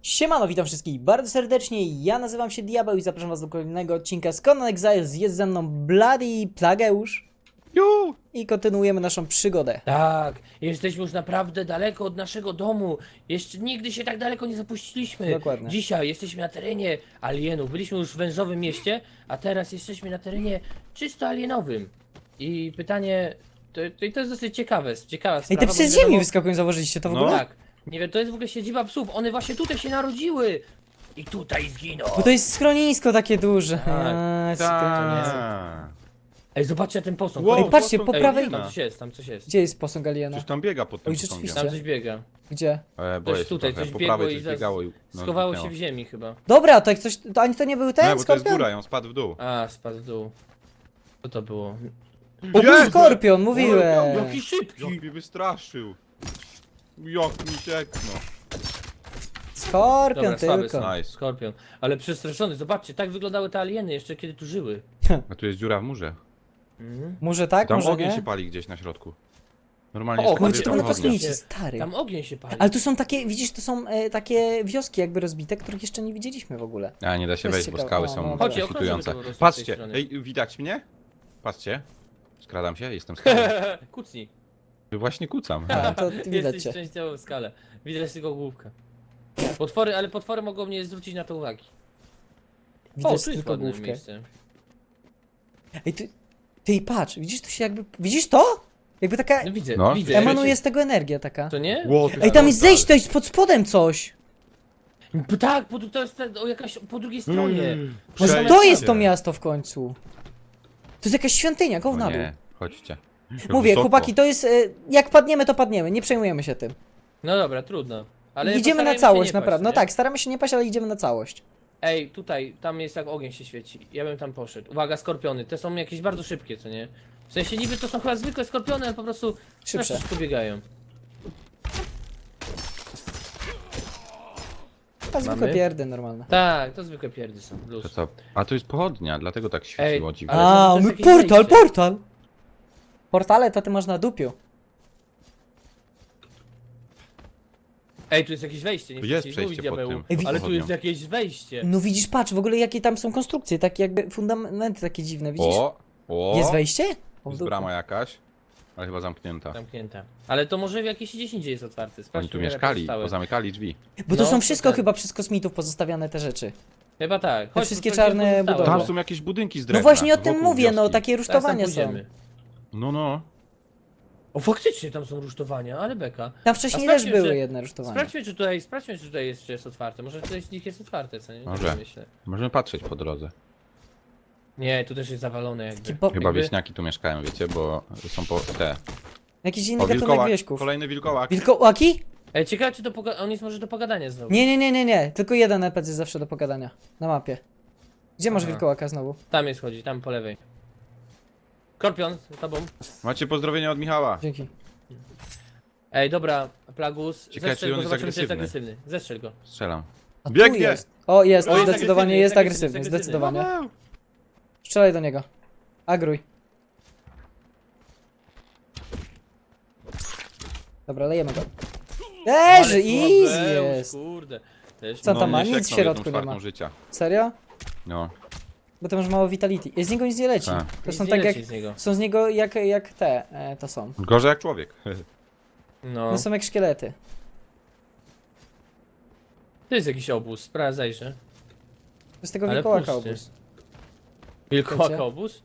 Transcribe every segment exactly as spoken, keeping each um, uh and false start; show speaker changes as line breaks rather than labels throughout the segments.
Siemano, witam wszystkich bardzo serdecznie, ja nazywam się Diabeł i zapraszam was do kolejnego odcinka z Conan Exiles. Jest ze mną Bloody Plageusz
Ju!
i kontynuujemy naszą przygodę.
Tak, jesteśmy już naprawdę daleko od naszego domu. Jeszcze nigdy się tak daleko nie zapuściliśmy.
Dokładnie.
Dzisiaj jesteśmy na terenie alienów. Byliśmy już w wężowym mieście, a teraz jesteśmy na terenie czysto alienowym. I pytanie, to, to, to jest dosyć ciekawe, ciekawa
Ej,
sprawa.
te
bo
psy
nie
z ziemi
wiadomo-
wyskakują, zauważyliście to w
No.
ogóle?
Tak, nie wiem, to jest w ogóle siedziba psów. One właśnie tutaj się narodziły. I tutaj zginą.
Bo to jest schronisko takie duże.
Tak,
Eee, schronisko.
Ta.
Ej, zobaczcie ten posąg.
Wow,
Ej, patrzcie, po
Ej,
prawej...
Tam coś jest, tam coś jest.
Gdzie jest posąg Aliena?
Coś tam biega pod tym
Oj,
posągiem.
rzeczywiście.
Tam coś biega.
Gdzie?
E, boję
Coś
się
tutaj,
trochę.
coś
Po
biegło
prawej
i
coś
zaraz
biegało i no,
schowało się
zniknęło.
w ziemi chyba.
Dobra, to jak coś... To ani to nie był ten
Nie, bo to jest
skorpion?
góra, ją spadł w dół.
A, spadł w dół. Co to było?
O, był
Jezu!
skorpion, mówiłem!
Jaki szybki!
Jak mnie wystraszył. Jak mi cieknął.
Skorpion
Dobra, słaby
tylko.
są.
Nice.
Skorpion. Ale przestraszony, zobaczcie, tak wyglądały te alieny jeszcze kiedy tu żyły.
A tu jest dziura w murze.
Mhm.
Może tak,
Tam
może
ogień
nie?
się pali gdzieś na środku. Normalnie
O,
jest
Kurczę,
Tam
to
tam
będą
ognia.
kosmici, stary.
Tam ogień się pali.
Ale tu są takie, widzisz, to są e, takie wioski jakby rozbite, których jeszcze nie widzieliśmy w ogóle.
A nie da się
To jest
wejść, bo
ciekawe.
skały
O, no,
są
dobra.
Chodźcie,
kwitujące.
okrążymy to po prostu z tej
Patrzcie,
strony.
ej, widać mnie? Patrzcie. Skradam się, jestem skradam.
Kucnij.
Właśnie kucam.
A, to widać
Jesteś
cię.
częściowo w skale. Widać tylko główkę. Potwory, ale potwory mogą mnie zwrócić na to uwagi. O,
Widać
tu jest
tylko
ładne
główkę.
miejsce.
Ej, ty, ty patrz, widzisz, tu się jakby, widzisz to? Jakby taka,
No widzę,
No,
widzę.
emanuje z tego energia taka.
To nie?
Ło, ty
Ej, tam
portal.
jest zejście, to jest pod spodem coś.
P- Tak, po, to jest te- o, jakaś po drugiej stronie.
Mm,
Może
przejście.
to jest to miasto w końcu. To jest jakaś świątynia, go
O
na dół.
nie, chodźcie. Jak
Mówię,
wysoko.
chłopaki, to jest, e, jak padniemy, to padniemy, nie przejmujemy się tym.
No dobra, trudno. Ale
Idziemy na
postarajmy się
całość,
nie paść,
naprawdę. No
nie?
tak, staramy się nie paść, ale idziemy na całość.
Ej, tutaj, tam jest jak ogień się świeci. Ja bym tam poszedł. Uwaga, skorpiony. Te są jakieś bardzo szybkie, co nie? W sensie niby to są chyba zwykłe skorpiony, ale po prostu
Szybsze.
szybko biegają.
A zwykłe
Mamy?
pierdy normalne.
Tak, to zwykłe pierdy są.
To
Luz.
co? A tu jest pochodnia, dlatego tak świeciło
Ej,
dziwnie.
ale
A,
to jest
my
jakieś
portal,
wejście.
portal! Portale to ty masz na dupiu.
Ej, tu jest jakieś wejście, nie
Tu
chcę
jest
ci
przejście
mówić,
pod
diabeł.
tym
Ej,
Ale tu
pochodnią.
jest jakieś wejście.
No widzisz, patrz, w ogóle jakie tam są konstrukcje, takie jakby fundamenty takie dziwne, widzisz?
O, o,
Jest wejście? O, w
jest
dupę.
brama jakaś, ale chyba zamknięta.
Zamknięta. Ale to może w jakieś gdzieś indziej jest otwarte.
Oni
Sprawdźmy,
tu
ile
mieszkali,
pozostałe.
pozamykali drzwi.
Bo to
No,
są
to
wszystko
tak.
chyba przez kosmitów pozostawiane te rzeczy.
Chyba tak.
Te wszystkie
sprawdźmy,
czarne
gdzie pozostałe.
budowle.
Tam są jakieś budynki z
No
drewna.
właśnie o tym
wokół
mówię, no
wioski.
takie
Teraz tam
rusztowania są.
pójdziemy.
No, no.
O, faktycznie tam są rusztowania, ale beka.
Tam wcześniej
A
też
sprawdźmy,
były
czy-
jedne rusztowania.
Sprawdźmy, czy tutaj, sprawdźmy, czy tutaj jeszcze jest otwarte. Może coś z nich jest otwarte, co nie? Nie
Może.
myślę.
Możemy patrzeć po drodze.
Nie, tu też jest zawalone jakby.
Taki po...
Chyba
Jakby-
wieśniaki tu mieszkają, wiecie, bo są po te.
Jakiś inny
O,
gatunek
wilkołak,
wieśków.
kolejny wilkołak.
Wilkołaki?
Ej, ciekawe, czy to poga- on jest może do pogadania znowu.
Nie, nie, nie, nie, nie. Tylko jeden N P C jest zawsze do pogadania. Na mapie. Gdzie masz
Aha.
wilkołaka znowu?
Tam jest chodzi, tam po lewej. Skorpion, z tobą.
Macie pozdrowienia od Michała.
Dzięki.
Ej, dobra, Plagus,
Ciekawe,
zestrzel
czy
go,
on jest
zobaczymy, czy jest
agresywny.
agresywny. Zestrzel go.
Strzelam.
A tu
Biegnie!
jest. O, jest,
O, jest
zdecydowanie
agresywny,
jest
jest agresywny,
agresywny,
jest
zdecydowanie.
Paweł!
Strzelaj do niego. Agruj. Dobra, lejemy go. Leży,
Ale
easy
słabeusz,
jest.
Kurde. Też
Co
mi-
tam ma?
nie
Nic w
sieknął
środku
jedną
nie ma.
czwartą życia.
Serio?
No.
Bo to masz mało vitality. Z niego nic nie leci.
Tak.
To
Nic
są
nie
tak jak...
leci z niego.
Są z niego jak, jak te, e, to są.
Gorzej jak człowiek.
No.
To są jak szkielety.
To jest jakiś obóz, sprawdzaj, że.
To jest tego
Ale
wilkołaka
pusty.
obóz.
Wilkołak
Wiecie?
obóz?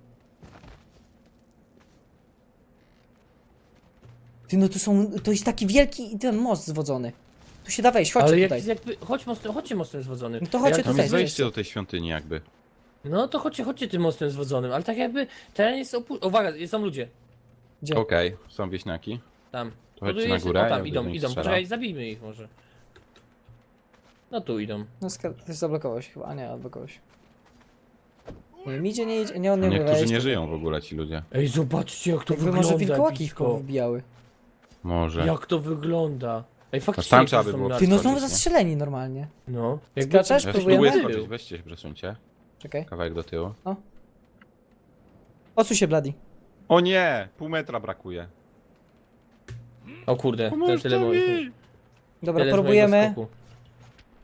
Ty, no to są, to jest taki wielki ten most zwodzony. Tu się da wejść, chodźcie
Ale
tutaj.
jak, jakby, chodź mostem, chodźcie mostem zwodzonym.
No to chodźcie
Ale
Tam
tutaj,
jest
tutaj,
wejście do tej świątyni jakby.
No to chodźcie, chodźcie tym mostem zwodzonym, ale tak jakby teren jest opu... Uwaga, są ludzie.
Gdzie?
Okej, są wieśniaki.
Tam.
To chodźcie
Tu
na
jest-
górę,
O,
ja
tam
będę
idą,
do nich
idą.
strzelał.
Poczekaj, zabijmy ich może. No tu idą.
No ska- ty zablokowałeś chyba, a nie, odblokowałeś. Nie, mi idzie, nie idzie, nie, on nie umie
Niektórzy
wejść.
nie żyją w ogóle ci ludzie.
Ej, zobaczcie jak to
Jakby
wygląda.
może wilkołaki ich
blisko.
powbijały.
Może.
Jak to wygląda. Ej, faktycznie.
tam
jak
trzeba
to
by
są
było
na-
Ty, no są
Schodzić, nie?
zastrzeleni normalnie.
No.
Skaczesz?
Ja
Próbujemy?
spróbuję skoczyć, weźcie się, przesuńcie.
Czekaj.
Kawałek do tyłu.
Odsuń się, Bloody.
O nie! Pół metra brakuje.
O kurde, to
Pomóżcie
tyle było.
mi!
Dobra,
Tyle z mojego
próbujemy.
skoku.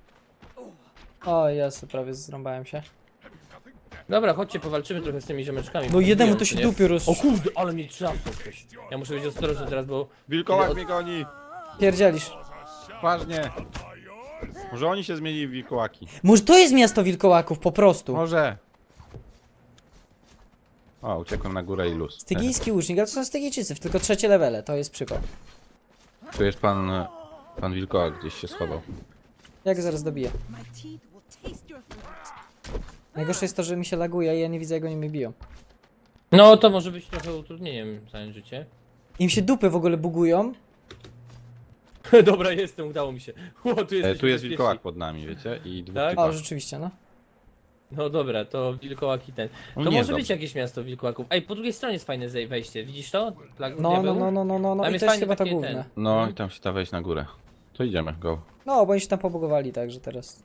O Jezu, prawie zrąbałem się.
Dobra, chodźcie, powalczymy trochę z tymi ziomeczkami.
No jednemu
Biją,
to się
nie?
dupie roz...
O kurde, ale mnie trzasnął ktoś. Ja muszę być ostrożny teraz, bo...
Wilkołak
Od-
mnie goni!
Pierdzielisz.
Ważnie! Może oni się zmienili w wilkołaki?
Może to jest miasto wilkołaków, po prostu.
Może! O, uciekłem na górę i luz.
Stygijski łucznik, ale to są Stygijczycy, tylko trzecie levele, to jest przykład.
Tu jest pan... e, Pan wilkołak gdzieś się schował.
Jak zaraz dobiję.
My teeth will taste your throat.
Najgorsze jest to, że mi się laguje i ja nie widzę, jak oni mnie biją.
No, to może być trochę utrudnieniem całe życie.
Im się dupy w ogóle bugują.
Dobra, jestem, udało mi się. O, tu,
E,
jesteśmy
tu jest
bezpieczni.
wilkołak pod nami, wiecie? I dwóch
Tak?
typa.
O, rzeczywiście, no.
No dobra, to wilkołak i ten.
No
To
nie
może
jest
być jakieś miasto wilkołaków. Ej, po drugiej stronie jest fajne zej- wejście, widzisz to? Plag-
No, no,
diabeł?
no, no, no, no, no.
Tam
I
jest
to jest
fajny
chyba to
taki
główne.
ten.
No i tam się da wejść na górę. To idziemy, go.
No, bo oni się tam pobugowali, także teraz.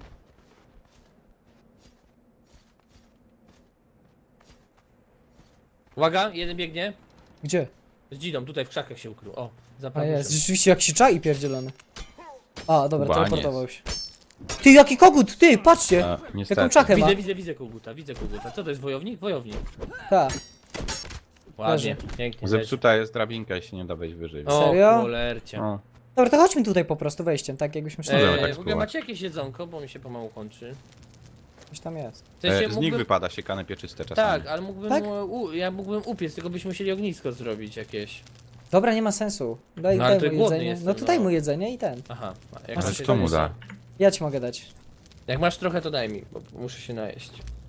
Uwaga, jeden biegnie.
Gdzie?
Z dzidą, tutaj w krzakach się ukrył. O,
A
za
jest, rzeczywiście jak się czai pierdzielony. A, dobra,
Baniec.
teleportował się. Ty, jaki kogut, ty, patrzcie!
A, niestety.
Jaką czachę ma.
Widzę, widzę, widzę koguta, widzę koguta. Co to jest, wojownik? Wojownik.
Tak.
Ładnie, pięknie.
Zepsuta jest drabinka i się nie da wejść wyżej.
O,
Serio?
cholercie.
O,
Dobra, to chodźmy tutaj po prostu wejściem, tak jakbyśmy szli.
Możemy
Eee,
tak
w ogóle
spróbować.
macie jakieś jedzonko, bo mi się pomału kończy.
Coś tam jest.
W sensie
e, z nich
mógłbym...
wypada siekane pieczyste czasami.
Tak, ale mógłbym,
Tak?
U, ja mógłbym upiec, tylko byśmy musieli ognisko zrobić jakieś.
Dobra, nie ma sensu. Daj,
No, ale
daj
to
mu
głodny
jedzenie.
jestem,
No to daj
no.
mu jedzenie i ten.
Aha, a jak
A
masz
co
to mu
jedzenie,
da?
to-
Ja ci mogę dać.
Jak masz trochę, to daj mi, bo muszę się najeść.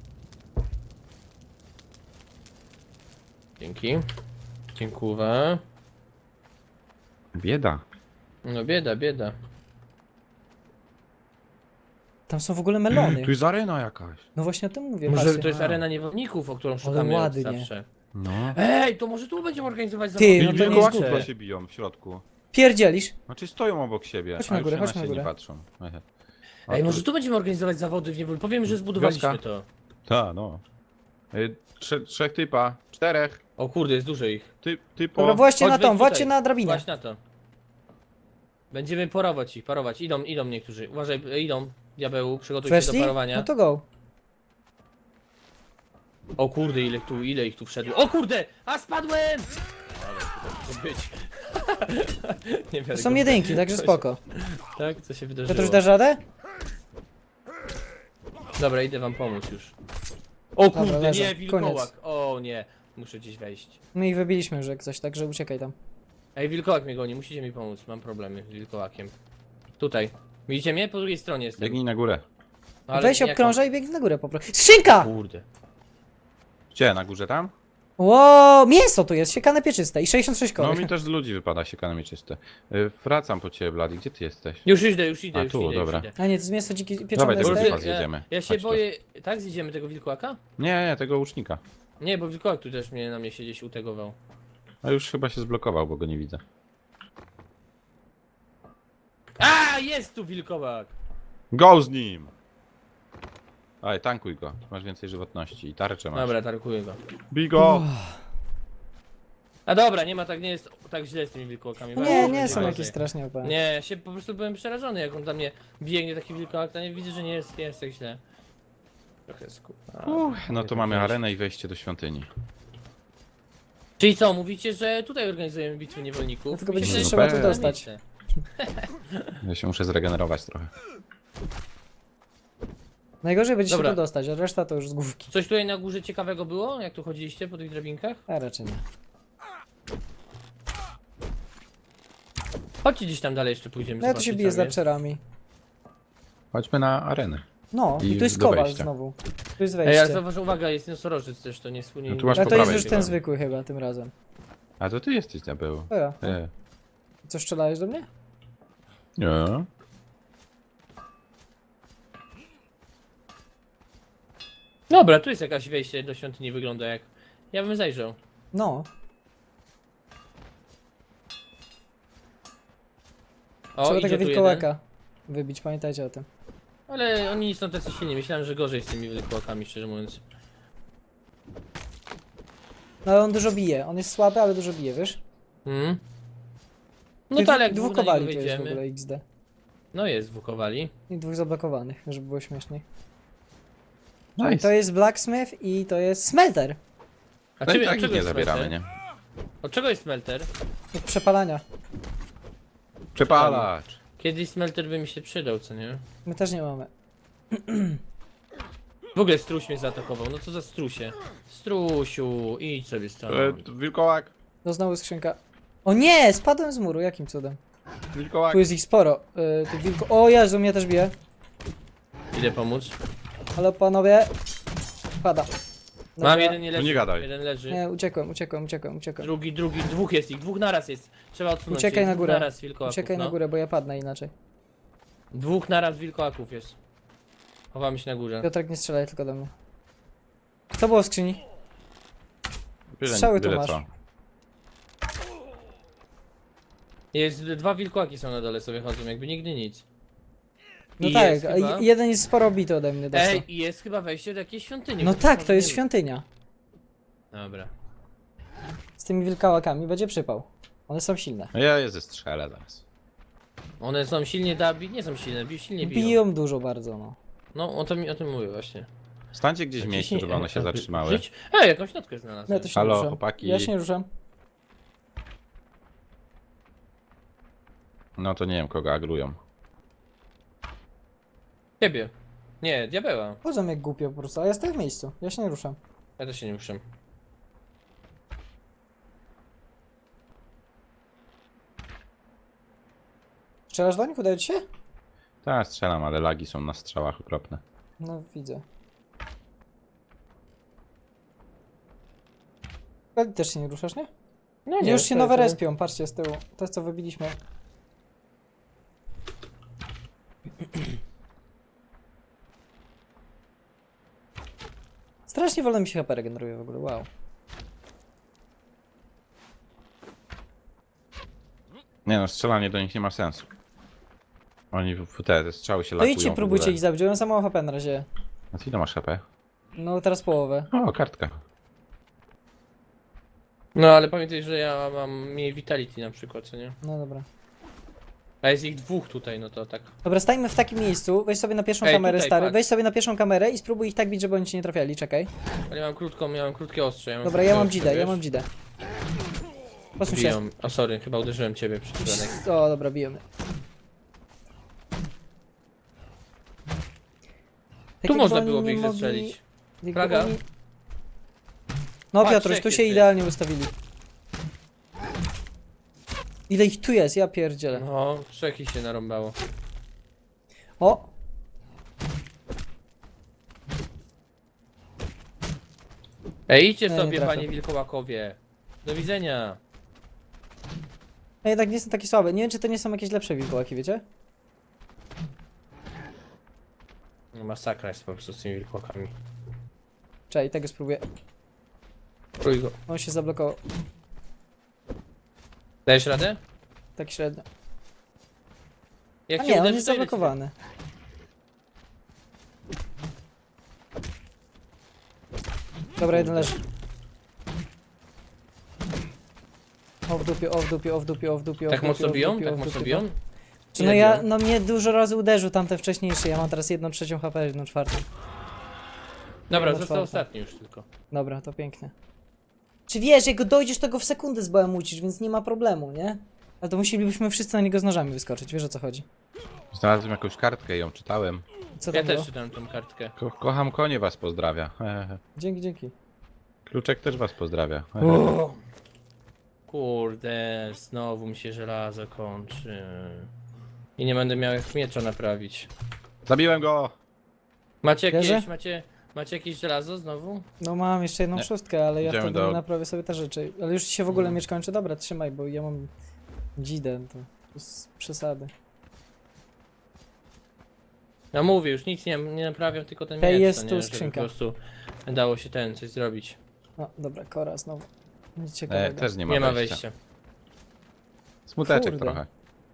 Dzięki. Dziękuję.
Bieda.
No bieda, bieda.
Tam są w ogóle melony.
Tu jest arena jakaś.
No właśnie o tym mówię,
Może
patrzcie.
to jest arena niewolników, o którą szukamy od
ładnie.
zawsze.
No.
Ej, to może tu będziemy organizować
Ty,
zawody
no to nie jest
Wilkołaki
głupie.
chyba się biją w środku.
Pierdzielisz?
Znaczy stoją obok siebie,
Chodźmy
a
na górę,
już
chodźmy
się
na
nie
górę.
patrzą.
Ej, może tu będziemy organizować zawody w niewoli. Powiem, że zbudowaliśmy
Wioska.
to.
Tak, no. Y, Trze trzech typa, czterech,
O kurde, jest dużo ich.
ty, typo.
Dobra, właśnie
Chodź,
na
wejdź
tą, właśnie
tutaj.
na drabinę.
Właśnie na to. Będziemy parować ich, parować. Idą, idą niektórzy. Uważaj, e, idą. Diabeł, przygotuj się
Weszli?
do parowania.
No to go.
O kurde, ile tu, ile ich tu wszedło. O kurde! A spadłem! Ale to może być. Nie
To
wiem.
są jedynki, także spoko.
Tak, co się
Piotruś,
wydarzyło?
dasz radę?
Dobra, idę wam pomóc już. O kurde,
Dobra, leżą.
nie, wilkołak.
Koniec.
O nie, muszę gdzieś wejść.
My ich wybiliśmy już jak coś, także uciekaj tam.
Ej, wilkołak mnie goni, musicie mi pomóc. Mam problemy z wilkołakiem. Tutaj. Widzicie mnie? Po drugiej stronie jestem.
Biegnij na górę.
Ale
Weź
jak
obkrążaj i biegnij na górę po prostu. Skrzynka!
mam- Kurde.
Gdzie, na górze tam?
Ło, mięso tu jest, siekane pieczyste i sześćdziesiąt sześć
No
kory.
mi też z ludzi wypada siekane mieczyste. Y, Wracam po ciebie, Blady, gdzie ty jesteś?
Już idę, już idę,
A,
już
tu,
idę,
dobra.
już idę.
A nie, to jest mięso dzikie
Dawaj
pieczone
tego
steak.
typa
ja,
zjedziemy.
ja się
Chodź tu.
boję... Tak, zjedziemy tego wilkołaka?
Nie, nie, tego łucznika.
Nie, bo wilkołak tu też mnie na mnie się gdzieś utegował.
A już chyba się zblokował, bo go nie widzę.
A, jest tu wilkołak!
Go z nim! Aj, tankuj go, masz więcej żywotności i tarczę masz.
Dobra, tarkuję go.
Bij go!
A dobra, nie ma tak, nie jest tak źle z tymi wilkołakami.
No
Bardzo
nie,
będzie
nie są
gorzej.
jakieś strasznie opłane.
Nie, ja się po prostu byłem przerażony, jak on dla mnie biegnie taki wilkołak, to nie widzę, że nie jest, nie jest tak źle. Trochę sku... A,
Uff, no
nie
to
tak
mamy
źle.
arenę i wejście do świątyni.
Czyli co, mówicie, że tutaj organizujemy bitwę niewolników?
No tylko
Mi się
będzie
się
wydaje,
trzeba
że
tu
to
dostać.
miejsce.
Ja się muszę zregenerować trochę.
Najgorzej będzie
Dobra.
się tu dostać, a reszta to już z główki.
Coś tutaj na górze ciekawego było, jak tu chodziliście po tych drabinkach?
A raczej nie.
Chodźcie gdzieś tam dalej jeszcze pójdziemy.
No ja tu się
zobaczyć,
biję
co
z
jest.
lapczerami.
Chodźmy na arenę.
No, i,
I
tu jest
do
kowal
wejścia.
znowu. Tu jest
Ej, ale
wejście.
zauważ, uwaga, jest nosorożec też, to nie słynie.
No tu masz
A
po
to jest
prawej
już ten
chyba.
zwykły chyba tym razem.
A to ty jesteś diabeł.
To ja.
Nie.
Co, strzelałeś do mnie?
Nie.
Dobra, tu jest jakaś wejście do świątyni, wygląda jak... Ja bym zajrzał.
No.
O,
Trzeba
idzie
tego
tu
wilkołaka wybić, pamiętajcie o tym.
jeden. Ale oni nie są tacy silni, myślałem, że gorzej z tymi wilkołakami, szczerze mówiąc.
No ale on dużo bije. On jest słaby, ale dużo bije, wiesz?
Hmm? No
Tych
to ale jak
dwóch
dwóch na niego
kowali to jest w
wejdziemy...
ogóle X D.
No jest, wukowali.
I dwóch zablokowanych, żeby było śmieszniej.
Nice.
To jest Blacksmith i to jest Smelter.
A
No i
czym-
tak
od
ich
czego
nie
jest
zabieramy,
smelter?
nie?
Od czego jest smelter?
Do przepalania.
Przepalacz.
Kiedyś smelter by mi się przydał, co nie?
My też nie mamy.
W ogóle struś mnie zaatakował, no co za strusie? Strusiu, idź sobie
E,
stąd.
wilkołak.
No znowu skrzynka. O nie! Spadłem z muru, jakim cudem?
Wilkołak.
Tu jest ich sporo. Yy, tych wilko... O Jezu, mnie też bije.
Idę pomóc.
Ale panowie... Pada. Dobra.
Mam jeden nie leży,
nie gadaj.
jeden leży.
Nie, uciekłem, uciekłem, uciekłem, uciekłem.
Drugi, drugi, dwóch jest ich, dwóch naraz jest. Trzeba odsunąć
Uciekaj
ich.
na
Dwóch
górę.
Naraz wilkołaków,
Uciekaj
no.
na górę, bo ja padnę inaczej.
Dwóch naraz wilkołaków jest. Chowamy się na górze.
Piotrek, nie strzelaj tylko do mnie. Co było w skrzyni?
Byle-
Strzały tu
byle
masz.
co.
Jest, dwa wilkołaki są na dole, sobie chodzą, jakby nigdy nic.
No
I
tak,
jest
a
chyba-
jeden jest sporo bity ode mnie. dostał.
Ej, i jest chyba wejście do jakiejś świątyni.
No
chociaż
tak,
może
to jest
nie-
świątynia.
Dobra.
Z tymi wilkołakami będzie przypał. One są silne.
No ja je zestrzelę zaraz.
One są silnie dabi, nie są silne, bi silnie biją.
Biją dużo bardzo, no.
No, o, to mi, o tym mówię właśnie.
Stańcie gdzieś w miejscu, żeby one się zatrzymały.
Żyć? Ej, jakąś notkę znalazłem.
Ja to się
Halo,
nie ruszam.
chłopaki.
Ja się nie ruszam.
No to nie wiem kogo agrują.
Ciebie. Nie, diabeła.
Chodzą jak głupio po prostu, a ja stoję w miejscu. Ja się nie ruszam.
Ja też się nie muszę.
Strzelasz do nich? Udaje ci się?
Tak, strzelam, ale lagi są na strzałach okropne.
No widzę. Ale też się nie ruszasz, nie?
No
Już się
stoję
nowe
sobie.
respią, patrzcie z tyłu. To co wybiliśmy. Strasznie wolno mi się H P regeneruje w ogóle, wow.
Nie no, strzelanie do nich nie ma sensu. Oni w w te, te strzały się
To
lakują
idźcie,
w
próbujcie
ogóle.
ich zabić, one za mało H P na razie.
A ty ile masz H P?
No teraz połowę.
O, kartka.
No ale pamiętaj, że ja mam mniej vitality na przykład, co nie?
No dobra.
A jest ich dwóch tutaj, no to tak.
Dobra, stańmy w takim miejscu, weź sobie na pierwszą
Ej,
kamerę,
tutaj,
stary,
patrz.
weź sobie na pierwszą kamerę i spróbuj ich tak bić, żeby oni cię nie trafiali, czekaj.
Ale ja mam krótką, ja mam krótkie ostrze. Ja mam
Dobra,
krótkie
ja mam
ostrze,
dzidę, ja
wiesz?
mam dzidę. Posuń się.
Biją. O sorry, chyba uderzyłem ciebie przez przypadek.
O, dobra, bijemy. Tak
Tu
jakby
można
oni
byłoby
nie
ich
mogli-
zestrzelić.
jakby
Plaga?
oni- No
Patrz,
Piotruś,
jak
tu
jest
się
ty.
idealnie ustawili. Ile ich tu jest, ja pierdzielę.
No, trzech ich się narąbało.
O!
Ej, idźcie
Nie, nie
sobie,
trafię.
panie wilkołakowie. Do widzenia.
No jednak nie są takie słabe. Nie wiem, czy to nie są jakieś lepsze wilkołaki, wiecie?
No, masakra jest po prostu z tymi wilkołakami.
Czekaj, tego spróbuję.
Prój go.
On się zablokował.
Dajesz radę?
Tak średnio.
Jak
A
cię
nie, on
uderzy,
jest
to ile ci-
zablokowany. Dobra, jeden leży. O w dupie, o w dupie, o w dupie, o w dupie, o w
Tak
dupie,
mocno
o w
biją?
dupie, o
Tak
w
mocno
dupie,
biją?
Czy
Ile
no ja,
biją?
no mnie dużo razy uderzył tamten wcześniejszy, ja mam teraz jedną trzecią H P, jedną czwartą.
Dobra,
Jedna
został
czwarta.
ostatni już tylko.
Dobra, to pięknie. Czy wiesz, jak go dojdziesz, to go w sekundę zbałamucisz, więc nie ma problemu, nie? Ale to musielibyśmy wszyscy na niego z nożami wyskoczyć, wiesz o co chodzi.
Znalazłem jakąś kartkę i ją czytałem.
Co
Ja
tam było?
też czytam tą kartkę.
Ko kocham konie was pozdrawia. Hehe.
Dzięki, dzięki.
Kluczek też was pozdrawia. Hehe.
Kurde, znowu mi się żelazo kończy. I nie będę miał jak miecza naprawić.
Zabiłem go!
Macie jakieś,
Wierzę?
macie, macie jakieś żelazo znowu?
No mam jeszcze jedną
Nie.
szóstkę, ale ja
Idziemy
wtedy
do-
naprawię sobie te rzeczy. Ale już ci się w ogóle
Mm.
miecz kończy. Dobra, trzymaj, bo ja mam dzidę, to z przesady.
No mówię, już nic nie, nie naprawiam, tylko ten
Ej,
miecz,
jest
no
tu
nie, żeby
skrzynka.
po prostu dało się ten, coś zrobić.
No dobra, Kora znowu. Nic
E,
ciekawego.
też nie ma,
Nie ma
wejścia.
wejścia.
Smuteczek
Kurde.
trochę.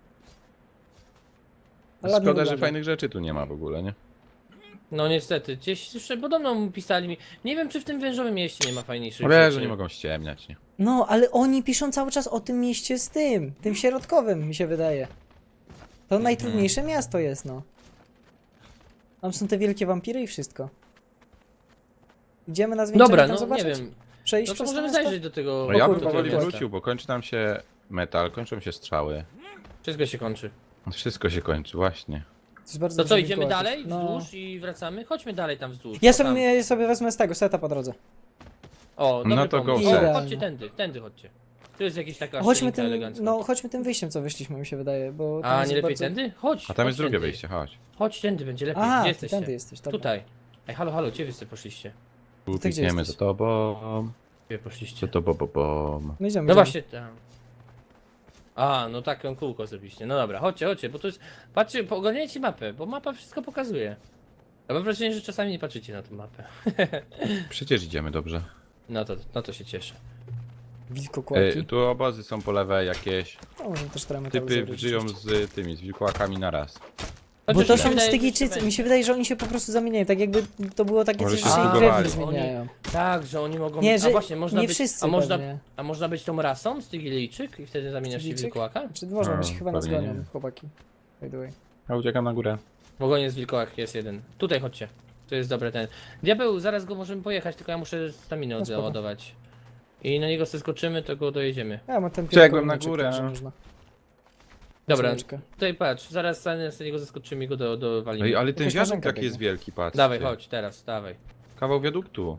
Ale ładnie
Szkoda, że
wygląda.
fajnych rzeczy tu nie ma w ogóle, nie?
No niestety, gdzieś jeszcze podobno pisali mi. Nie wiem, czy w tym wężowym mieście nie ma fajniejszych
No wiesz,
rzeczy.
że nie mogą ściemniać, nie?
No, ale oni piszą cały czas o tym mieście z tym, tym środkowym, mi się wydaje. To najtrudniejsze miasto jest, no. Tam są te wielkie wampiry i wszystko. Idziemy na zwieńczenie
Dobra,
tam
no nie
zobaczyć?
wiem.
Przejść
No to
przez
możemy
miasto?
zajrzeć do tego.
No ja
kurde,
bym
do
powoli
tego miasta.
wrócił, bo kończy nam się metal, kończą się strzały.
Wszystko się kończy.
Wszystko się kończy, właśnie.
To jest bardzo
To
dużo
co, idziemy
wilkołaków.
dalej
No.
wzdłuż i wracamy? Chodźmy dalej tam wzdłuż.
Ja
O, tam.
sobie, ja sobie wezmę z tego seta po drodze.
O, dobry
No to
pomysł.
go
O,
set.
chodźcie tędy, tędy chodźcie. Tu jest jakiś taka
Chodźmy
szczelinka
tym,
elegancka.
no chodźmy tym wyjściem, co wyszliśmy, mi się wydaje, bo tam
A,
jest
nie lepiej
bardzo...
tędy? Chodź.
A tam
chodź
jest drugie
tędy.
wyjście, chodź.
Chodź tędy, będzie lepiej.
A,
Gdzie
ty
jesteście?
tędy jesteś, dobra.
Tutaj. Ej, halo, halo, gdzie wy sobie poszliście?
Tu
gdzie
pikniemy za
jesteś?
tobą,
Gdzie
za
poszliście?
tobą, bo, bo.
No idziemy,
No
idziemy.
właśnie tam. A, no taką kółko zrobiliście. No dobra, chodźcie, chodźcie, bo to jest... Patrzcie, po- ogarniajcie mapę, bo mapa wszystko pokazuje. Ja mam wrażenie, że czasami nie patrzycie na tę mapę.
Przecież idziemy dobrze.
No to, no to się cieszę.
Wilkokłaki.
E, tu obozy są po lewej jakieś.
No, możemy też trochę metalu
Typy
zebrać
żyją
oczywiście.
z tymi, z wilkołakami naraz.
Bo
Chociaż
to
mi się
są
wydaje, że
Stygijczycy,
jeszcze
mi się wydaje, że oni się po prostu zamieniają, tak jakby to było takie
Może
coś,
się
że się ich
zbugowali.
krewni zmieniają.
Tak, że oni mogą...
Nie,
a
że
właśnie, można
nie
być...
wszyscy
a można,
pewnie.
a można być tą rasą, Stygilijczyk i wtedy zamieniasz się w
Stygijczyk?
wilkołaka?
Czy można być
No,
chyba nas
pewnie
gonią,
nie.
chłopaki. By the way.
Ja uciekam na górę.
W ogonie z wilkołak jest jeden. Tutaj chodźcie. To jest dobry ten. Diabeł, zaraz go możemy pojechać, tylko ja muszę staminę
No spoko.
odładować. I na niego zeskoczymy, to go dojedziemy.
Ja mam ten
Przegłem na
pierdolniczek,
górę.
także można.
Dobra,
Słoneczkę.
tutaj patrz, zaraz na niego zeskoczymy i go do, do walimy.
Ej, ale ten
Jakaś
wiadukt
marzenka
taki jest
biegnie.
wielki, patrz.
Dawaj, chodź, teraz, dawaj.
Kawał wiaduktu.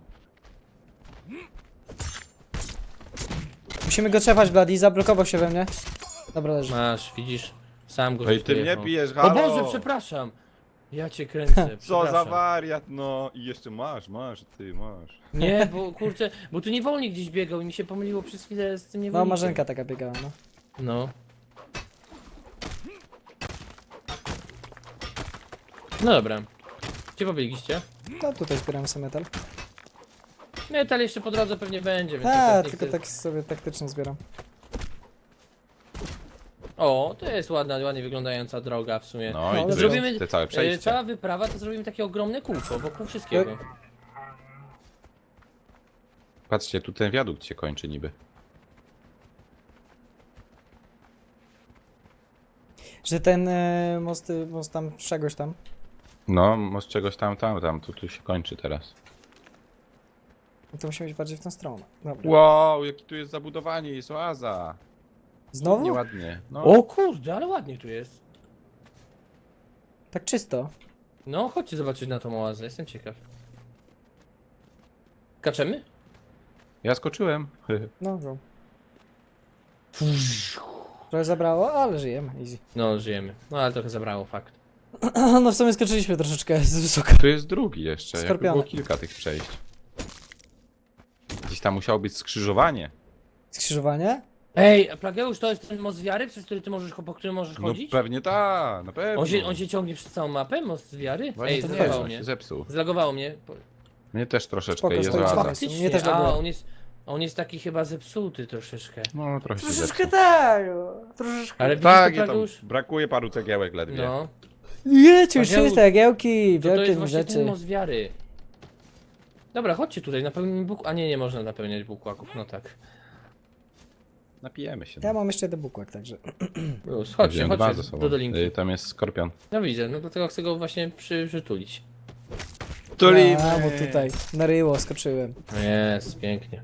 Musimy go trzepać, Bloody, zablokował się we mnie. Dobra, leży.
Masz, widzisz? Sam go
Ej,
żeś
ty mnie
dojechał.
bijesz,
O
halo!
Boże, przepraszam! Ja cię kręcę,
Co za
przepraszam.
wariat, no! I jeszcze masz, masz, ty masz.
Nie, bo kurczę, bo tu niewolnik gdzieś biegał i mi się pomyliło przez chwilę z tym
No,
niewolnikiem.
marzenka taka biegała, no.
No. No dobra. Gdzie pobiegliście?
No, tutaj zbieramy sobie metal.
Metal jeszcze po drodze pewnie będzie, więc
A,
teraz nie
tylko
chcę-
tak sobie taktycznie zbieram.
O, to jest ładna, ładnie wyglądająca droga w sumie.
No,
No,
i to
zrobimy-
jest te całe
E,
przejście.
Cała wyprawa to zrobimy takie ogromne kółko wokół wszystkiego.
Patrzcie, tu ten wiadukt się kończy niby.
Że ten e, most, most tam, czegoś tam.
No, może czegoś tam, tam, tam, tu, tu się kończy teraz.
No to musimy iść bardziej w tą stronę. Dobra.
Wow, jaki tu jest zabudowanie, jest oaza.
Znowu?
Nieładnie. No.
O kurde, ale ładnie tu jest.
Tak czysto.
No, chodźcie zobaczyć na tą oazę, jestem ciekaw. Kaczemy?
Ja skoczyłem.
No, go. Trochę zabrało, ale żyjemy, easy.
No, żyjemy. No, ale trochę zabrało, fakt.
No w sumie skoczyliśmy troszeczkę z wysoka.
Tu jest drugi jeszcze, jakby
Skorpiony.
było kilka tych przejść. Gdzieś tam musiało być skrzyżowanie.
Skrzyżowanie?
Ej, a Plageusz, to jest ten most wiary, przez który ty możesz, po którym możesz
No
chodzić?
pewnie ta, na pewno.
On się, on się ciągnie przez całą mapę, most wiary?
Właśnie
Ej,
to nie
zlagowało
jest, on
mnie.
się zepsuł.
Zlagowało mnie. Po-
Mnie też troszeczkę,
Spoko,
jest
stoi
oaza.
czwarty.
Faktycznie,
Mnie też
a
lagowało.
on jest, on jest taki chyba zepsuty troszeczkę.
No trochę się
Troszeczkę
zepsuł.
tak, troszeczkę.
Ale widzisz
Tak,
to,
ja tam
Plageusz?
brakuje paru cegiełek ledwie.
No,
Jecie, już
Paweł,
czyste jagiełki,
to, to
wielkie
jest właśnie
rzeczy.
ten most wiary. Dobra, chodźcie tutaj, napełnimy buk... A nie, nie można napełniać bukłaków, no tak.
Napijemy się.
Ja mam jeszcze jeden bukłak, także.
Już, chodźcie,
Wziąłem dwa ze
chodźcie
sobą.
do dolinki.
Y, Tam jest skorpion.
No widzę, no dlatego chcę go właśnie przy, przytulić.
A, bo tutaj na ryło skoczyłem.
Jest, pięknie.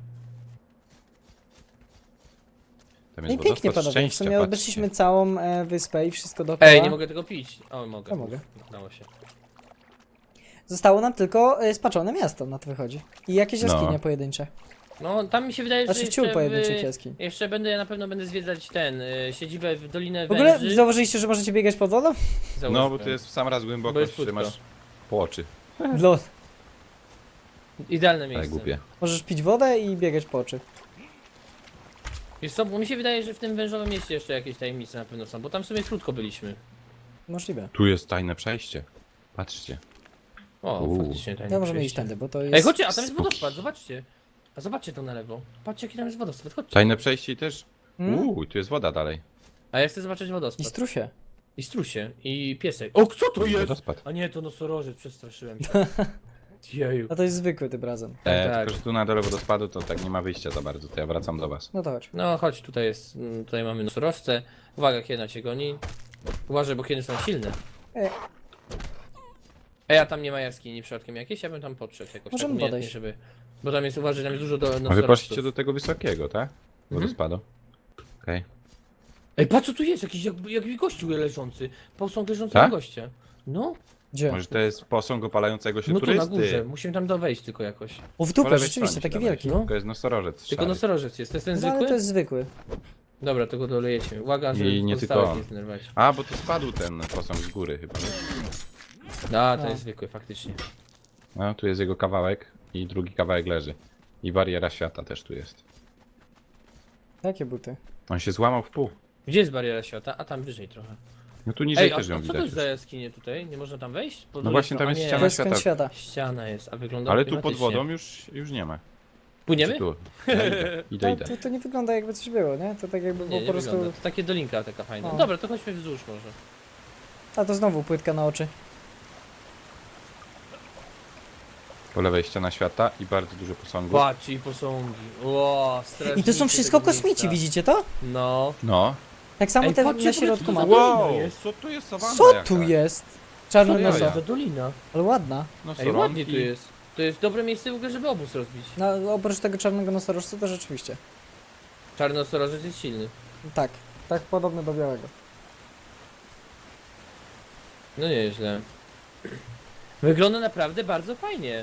Tam
No i
jest
pięknie
wodospad
panowie, w
szczęścia,
sumie
patrzcie.
obeszliśmy całą e, wyspę i wszystko dookoła.
Ej, nie mogę tego pić. O, mogę.
Ja mogę.
Udało się.
Zostało nam tylko e, spaczone miasto, na to wychodzi. I jakieś
No.
jaskinie pojedyncze.
No, tam mi się wydaje, że
Znaczy
jeszcze,
ciul pojedynczych
w,
jaskiń.
jeszcze będę, ja na pewno będę zwiedzać ten, y, siedzibę w Dolinę
W ogóle
Węży.
zauważyliście, że możecie biegać pod wodą?
No, bo
Załóżmy.
to jest w sam raz
Bo
głębokość,
jest
że
płytko.
masz po oczy.
Lol.
Idealne
Tak
miejsce.
głupie.
Możesz pić wodę i biegać po oczy.
Wiesz co, bo mi się wydaje, że w tym wężowym mieście jeszcze jakieś tajemnice na pewno są, bo tam w sumie krótko byliśmy.
Możliwe.
Tu jest tajne przejście. Patrzcie.
O,
Uuu.
faktycznie tajne
No możemy
przejście.
iść tędy, bo to jest...
Ej, chodźcie, a tam jest
Spooky.
wodospad, zobaczcie. A zobaczcie to na lewo. Patrzcie, jaki tam jest wodospad, chodźcie.
Tajne przejście i też...
Hmm?
Uuu, tu jest woda dalej.
A ja chcę zobaczyć
I
wodospad.
strusie.
I strusie. I piesek. O, co to jest?
Wodospad.
A nie, to nosorożec, przestraszyłem się. Jeju.
A to jest zwykły tym razem.
E,
tak.
Tylko, że tu na dole wodospadu to tak nie ma wyjścia za bardzo, to ja wracam do was.
No to chodź.
No chodź, tutaj jest, mm, tutaj mamy nosorożce. Uwaga, hiena cię goni. Uważaj, bo kiedy są silne.
E.
Ej, a tam nie ma jaskini przypadkiem jakieś? Ja bym tam podszedł jakoś
Możemy
tak umiejętnie,
podejść.
żeby... Bo tam jest, uważaj, tam jest dużo do
A wy
nosorożców.
poszliście do tego wysokiego, tak? Wodospadu. Okej.
Ej, patrz co tu jest, jakiś jakby, jakiś gościu leżący. Posąg leżącego
Tak?
gościa. No,
Gdzie?
Może to jest posąg opalającego się
no tu na
turysty.
górze, musimy tam do wejść tylko jakoś.
O, w
Po
dupę,
lewej
rzeczywiście,
stronie
taki
się dawaj.
wielki.
No.
To jest nosorożec
Tylko
szary.
nosorożec jest, to jest ten
No,
zwykły?
ale to jest zwykły.
Dobra, to go dolejecie. Uwaga, żeby
I nie
pozostałych
tylko on.
nie zdenerwować.
A, bo to spadł ten posąg z góry chyba. nie?
A, to
No.
jest zwykły, faktycznie.
No, tu jest jego kawałek i drugi kawałek leży. I bariera świata też tu jest.
Jakie buty?
On się złamał w pół.
Gdzie jest bariera świata? A tam wyżej trochę.
No tu niżej
Ej, a,
też
a
ją
co to
widać
jest za
już.
jaskinie tutaj? Nie można tam wejść? Po
No
drugiej
właśnie, tam
stronie-
jest
a
ściana
nie,
To jest kąt
świata.
świata.
Ściana jest, a wygląda
Ale tu pod
klimatycznie.
wodą już, już nie ma.
Płyniemy?
Czy tu? Ja idę, idę,
To,
idę.
to, to nie wygląda jakby coś było, nie? To tak jakby
Nie,
było
nie
po prostu...
wygląda. To takie dolinka taka fajna.
No.
Dobra, to chodźmy wzdłuż może.
A to znowu płytka na oczy.
Po lewej ściana świata i bardzo dużo posągów.
Patrz i posągi. Ło,
I to są wszystko kosmici, widzicie to?
No.
No.
Tak samo
Ej,
te
patrzcie,
na
w ogóle,
środku
co
ma.
to za-
Wow,
dolina jest?
co tu jest sawanna
Co
jaka?
tu jest?
Co
Czarny
to jest
jaja.
za dolina?
Ale ładna.
No,
Ej, ładnie
soronki.
tu jest. To jest dobre miejsce w ogóle, żeby obóz rozbić.
No, oprócz tego czarnego nosorożca to rzeczywiście.
Czarny nosorożec jest silny.
Tak. Tak podobny do białego.
No nieźle. Wygląda naprawdę bardzo fajnie.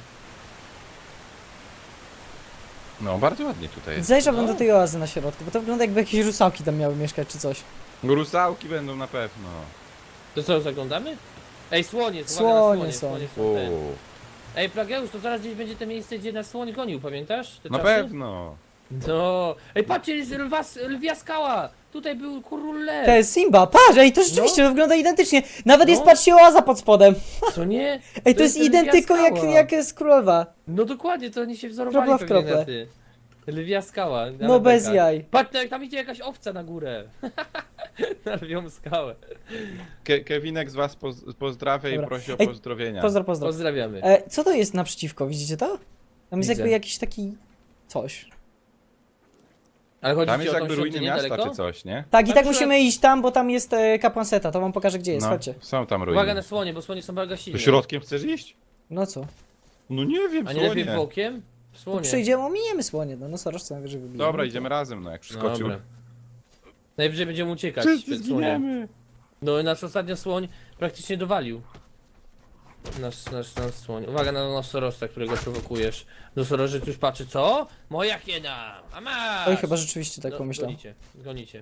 No, bardzo ładnie tutaj jest.
Zajrzałbym
No.
do tej oazy na środku, bo to wygląda jakby jakieś rusałki tam miały mieszkać czy coś.
Rusałki będą na pewno.
To co, zaglądamy? Ej, słonie,
Słonie
słonie,
są.
słonie są. ten.
Uuu.
Ej, Plageusz, to zaraz gdzieś będzie to miejsce, gdzie nas słoń gonił, pamiętasz? Te
Na
czasy?
pewno.
No. Ej, patrzcie, jest lwa, lwia skała! Tutaj był król lew.
To jest Simba, patrz, ej, to rzeczywiście
No.
to wygląda identycznie. Nawet jest,
No.
patrzcie, oaza pod spodem.
Co nie?
Ej, to, jest
lwia
identyko jak,
skała.
jak jest królowa.
No dokładnie, to oni się wzorowali
Kropla w
pewnie
krople.
na ty. Lwia skała. na
No bez
lebekach.
jaj.
Patrz, jak tam idzie jakaś owca na górę. Na lwią skałę.
Ke Kevinek z was poz pozdrawia i
Dobra.
prosi o
Ej,
pozdrowienia.
Pozdro, pozdro.
Pozdrawiamy.
E, co to jest naprzeciwko, widzicie to? Tam jest
Widzę.
jakby jakiś taki... coś.
Ale chodzi
Tam
ci
jest
o tą
jakby ruiny
świątynię
miasta
daleko?
czy coś, nie?
Tak, i
Na
tak
przykład-
musimy iść tam, bo tam jest e, kapłan Seta, to wam pokażę gdzie jest,
No,
chodźcie.
są tam ruiny.
Uwaga na słonie, bo słonie są bardzo silne.
To środkiem chcesz iść?
No co?
No nie wiem,
A nie lepiej
słonie.
bokiem?
Tu
Słonie.
przyjdziemy, ominiemy słonie, no nosorożce najwyżej wybijemy.
Dobra, idziemy razem, no jak przeskoczył.
Dobra. Najwyżej będziemy uciekać
Wszyscy
przed słoniem.
zginiemy.
No nasz ostatnio słoń praktycznie dowalił. Nasz, nasz, nasz słoń. Uwaga na nosorożca, którego prowokujesz. Nosorożec już patrzy, co? Moja hiena! A masz!
Oj, chyba rzeczywiście tak
No,
pomyślał.
Gonicie, gonicie.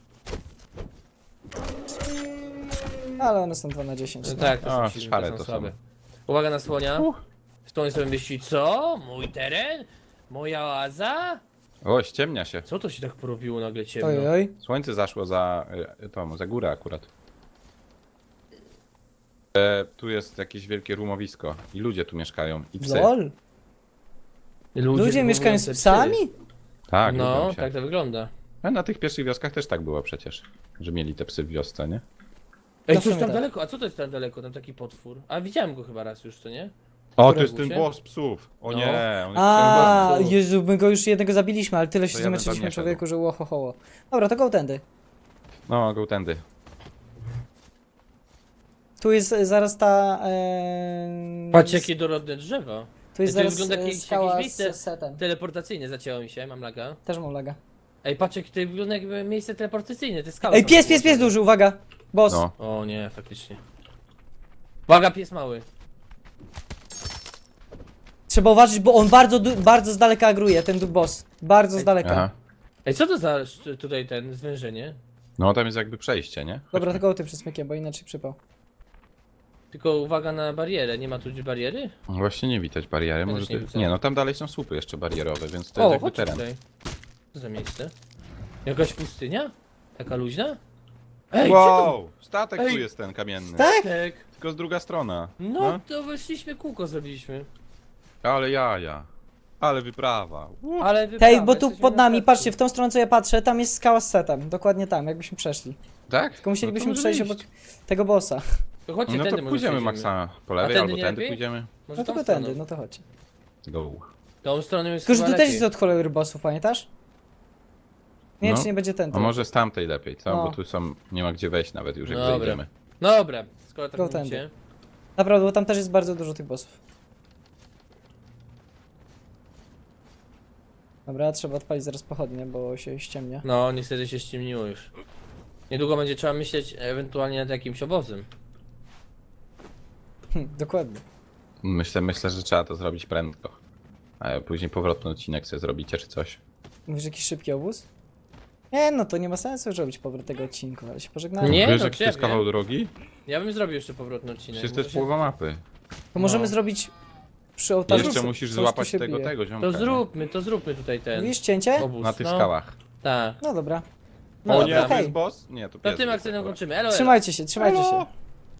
Ale one są dwa na dziesięć.
No
No.
tak, to
A,
są silne,
szare
to są
to są.
słabe. Uwaga na słonia.
Uh.
Słoń sobie myśli, co? Mój teren? Moja oaza?
O, ściemnia się.
Co to się tak porobiło nagle ciemno?
Oj, oj.
Słońce zaszło za y, tą, za górę akurat. E, tu jest jakieś wielkie rumowisko i ludzie tu mieszkają i psy.
Lol. Ludzie mieszkają z
wychowujące
psami?
psy.
Tak,
No,
lubią się.
tak to wygląda.
A na tych pierwszych wioskach też tak było przecież, że mieli te psy w wiosce, nie?
Ej,
To w
coś
sumie
tam
tak.
daleko, a co to jest tam daleko? Tam taki potwór. A widziałem go chyba raz już, co nie?
O, to
Którego
jest ten
się?
boss psów. O
No.
nie, on jest
A,
bardzo.
Jezu, my go już jednego zabiliśmy, ale tyle się
To ja bym tam
zmęczyliśmy
nie szedł.
człowieku, że łohohoło. Dobra, to go tędy.
No, go tędy.
Tu jest e, zaraz ta... E,
Patrz jakie dorodne drzewa.
Tu jest
to
zaraz
wygląda
e,
jakieś-
skała
jakieś miejsce.
z setem.
Teleportacyjne zacięło mi się, mam laga.
Też mam laga.
Ej, patrz jak to wygląda jakby miejsce teleportacyjne, te skały.
Ej,
są
pies, pies, pies
położone.
duży, uwaga! Boss.
No.
O nie, faktycznie. Uwaga, pies mały.
Trzeba uważać, bo on bardzo, du- bardzo z daleka agruje, ten du- boss. Bardzo z
Ej,
daleka.
Aha.
Ej, co to za sz- tutaj ten zwężenie?
No, tam jest jakby przejście, nie?
Dobra, tylko ty przez smykiem, bo inaczej przypał.
Tylko uwaga na barierę, nie ma tu gdzieś bariery?
Właśnie nie widać bariery.
Ja
Może
też nie
ty...
widzę.
Nie, no tam dalej są słupy jeszcze barierowe, więc to
O,
jest jakby
chodź
teren.
tutaj. Co za miejsce? Jakaś pustynia? Taka luźna? Ej,
Wow! Statek
Ej.
tu jest ten kamienny.
Tak?
gdzie to? Tak.
Tylko z druga strona.
No, to weszliśmy, kółko zrobiliśmy.
Ale jaja. Ale wyprawa. Uh.
Ale wyprawa,
Hej, bo tu
jesteśmy
pod
na
nami,
statku.
patrzcie, w tą stronę co ja patrzę, tam jest skała z setem. Dokładnie tam, jakbyśmy przeszli.
Tak?
Tylko musielibyśmy
no to
przejść
możemy
obok
iść.
tego bossa.
To chodźcie
No
tędy,
to
może
pójdziemy
przejdziemy.
Maxa po
A
lewej
tędy
albo
nie
tędy
lepiej?
pójdziemy.
Może
No
tą
tylko
stroną.
tędy, no to chodź.
Go.
Tą stroną jest
Tylko, że
chyba
tu też
lepiej.
jest od cholery bossów, pamiętasz? Nie,
No.
czy nie będzie ten.
A może z tamtej lepiej, co?
No.
Bo tu są, nie ma gdzie wejść nawet już jak
Dobra.
zejdziemy.
Dobra, skoro tak
Go
mówicie.
tędy. Naprawdę, bo tam też jest bardzo dużo tych bossów. Dobra, trzeba odpalić zaraz pochodnie, bo się ściemnia.
No, niestety się ściemniło już. Niedługo będzie trzeba myśleć ewentualnie nad jakimś obozem.
Hm, dokładnie.
Myślę, myślę, że trzeba to zrobić prędko. A później powrotny odcinek sobie zrobicie czy coś.
Mówisz jakiś szybki obóz? Nie, no to nie ma sensu już robić powrót tego odcinku, ale się pożegnamy.
Nie,
Wiesz,
no
jaki to jest
ciebie.
kawał drogi?
Ja bym zrobił jeszcze powrotny odcinek.
Przecież to jest
Może się-
połowa mapy.
To możemy
No.
zrobić przy ołtarzu.
Jeszcze
co-
musisz
coś tu
złapać
się
tego,
bije.
tego ziomka.
To
nie?
zróbmy, to zróbmy tutaj ten
Mówisz cięcie?
obóz.
Na tych
no.
skałach.
Tak.
No dobra.
No
O
dobra.
nie, to
okej.
jest boss? Nie, to
To
pies
tym
był.
akcentem kończymy. Elo, elo.
Trzymajcie się, trzymajcie się.
Elo.